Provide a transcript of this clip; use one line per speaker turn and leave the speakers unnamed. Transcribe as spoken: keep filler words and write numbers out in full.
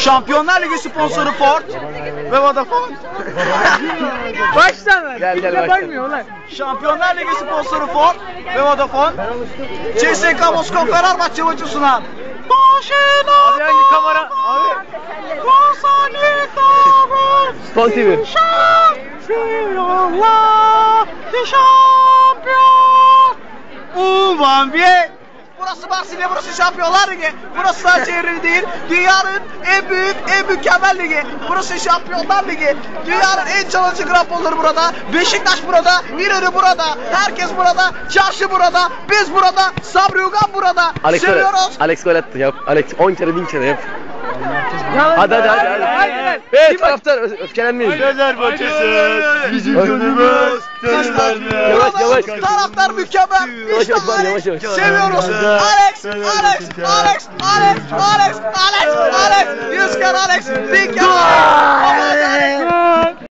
Şampiyonlar Ligi sponsoru Ford ve Vodafone.
Baştan ver.
Gel, gel,
Kimse
baştan.
bakmıyor lan.
Şampiyonlar Ligi sponsoru Ford ve Vodafone. C S K Moskova Fenerbahçe maçı sunan.
Abi hangi kamera? Abi. Spon T V.
Şampiyonlar şampiyon. Uvan bir. Burası Marsilya, burası Şampiyonlar Ligi. Burası sadece yeri değil, dünyanın en büyük, en mükemmel ligi. Burası Şampiyonlar Ligi. Dünyanın en çalıcı gramponları burada. Beşiktaş burada, İnönü burada. Herkes burada, Çarşı burada. Biz burada, Sabri Ugan burada.
Alex gol,
Seviyoruz.
Alex gol attı yap. Alex on kere bin kere yap.
Yalan
Hadi hadi hadi.
Hayır,
hadi.
hayır, hayır.
Evet
Bir bak-
taraftar ö- öfkelenmeyin.
Fenerbahçe'siz bizim gönlümüz Fenerbahçe.
Yavaş, yavaş.
Taraftar mükemmel.
Yavaş,
İşte
yavaş,
Alex.
yavaş, yavaş.
Seviyoruz. Alex, Alex, Alex, Alex, Alex, Alex, Alex, Alex. Yüz kere Alex. Bin kere